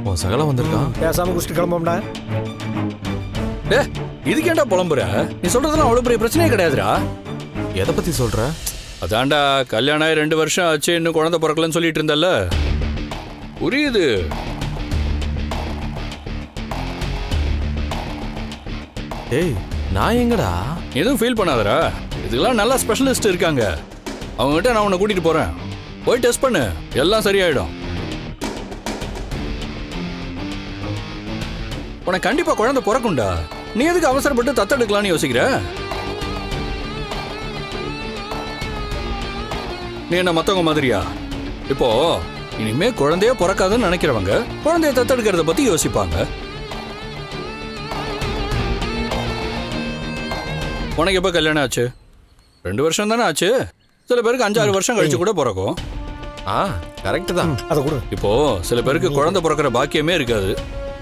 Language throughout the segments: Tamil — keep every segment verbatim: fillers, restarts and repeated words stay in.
உன் சகல வந்திருக்கான். பேசாம குடிச்சிட்டு கிளம்போம்டா. டே இதுக்கேண்டா புலம்புற? நீ சொல்றதெல்லாம் அவ்வளவு பெரிய பிரச்சனையே கிடையாதுடா. எதை பத்தி சொல்ற? அதான்டா கல்யாணம் ஆகி ரெண்டு வருஷம் ஆச்சு, இன்னும் குழந்தை பிறக்கலன்னு சொல்லிட்டு இருந்தல்ல. புரியுது. டேய் நான் எங்கடா? எதுவும் ஃபீல் பண்ணாதடா. இதுக்கெல்லாம் நல்லா ஸ்பெஷலிஸ்ட் இருக்காங்க. அவங்ககிட்ட நான் உன்னை கூட்டிட்டு போறேன். போய் டெஸ்ட் பண்ணு, எல்லாம் சரியாயிடும். உனக்கு கண்டிப்பா குழந்தை பிறக்கும்டா. நீ எதுக்கு அவசரப்பட்டு தத்தெடுக்கலாம்னு யோசிக்கிற? நீ என்ன மத்தவங்க மாதிரியா? இப்போ இனிமே குழந்தைய பிறக்காதுன்னு நினைக்கிறவங்க குழந்தைய தத்தெடுக்கிறத பத்தி யோசிப்பாங்க. உனக்கு எப்ப கல்யாணம் ஆச்சு? ரெண்டு வருஷம் தானே ஆச்சு. சில பேருக்கு அஞ்சாறு வருஷம் கழிச்சு கூட பிறக்கும். ஆ கரெக்ட் தான். அதை கொடு. இப்போ சில பேருக்கு குழந்தை பிறக்கிற பாக்கியமே இருக்காது.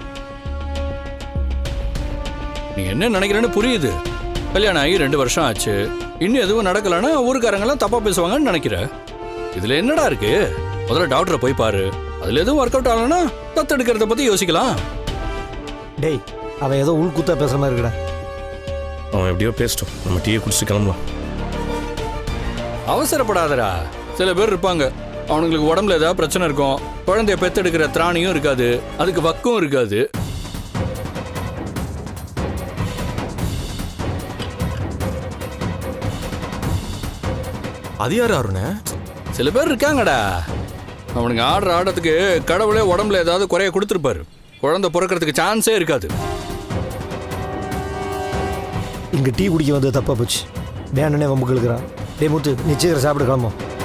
நீ என்ன நினைக்கிறேன்னு புரியுது. கல்யாணம் ஆகி ரெண்டு வருஷம் ஆச்சு, இன்னும் எதுவும் நடக்கலன்னா ஊருக்காரங்கெல்லாம் தப்பா பேசுவாங்கன்னு நினைக்கிற. இதுல என்னடா இருக்கு? முதல்ல டாக்டரை போய் பாரு. அதுல எதுவும் ஒர்க் அவுட் ஆகலன்னா தத்தெடுக்கிறத பத்தி யோசிக்கலாம். டேய் அவன் ஏதோ உள்குத்தா பேசுற மாதிரி இருக்கடா. அவன் எப்படியோ பேசிட்டோம், நம்ம டீயை குடிச்சிட்டு கிளம்பலாம். அவசரப்படாதடா. சில பேர் இருப்பாங்க, அவனுங்களுக்கு உடம்புல ஏதாவது பிரச்சனை இருக்கும், குழந்தைய பெத்தெடுக்கிற திராணியும் இருக்காது, அதுக்கு வக்கும் இருக்காது. அது யாரு அருண? சில பேர் இருக்காங்கடா, அவனுக்கு ஆடுற ஆடத்துக்கு கடவுளே உடம்புல ஏதாவது குறைய கொடுத்துருப்பாரு. குழந்தை பிறக்கிறதுக்கு சான்ஸே இருக்காது. இங்க டீ குடிக்க வந்து தப்பா போச்சு. வேணுன்னே வம்புக்கு இழுக்கிறான். டே முத்து நிச்சயம் சாப்பிட கிளம்பும்.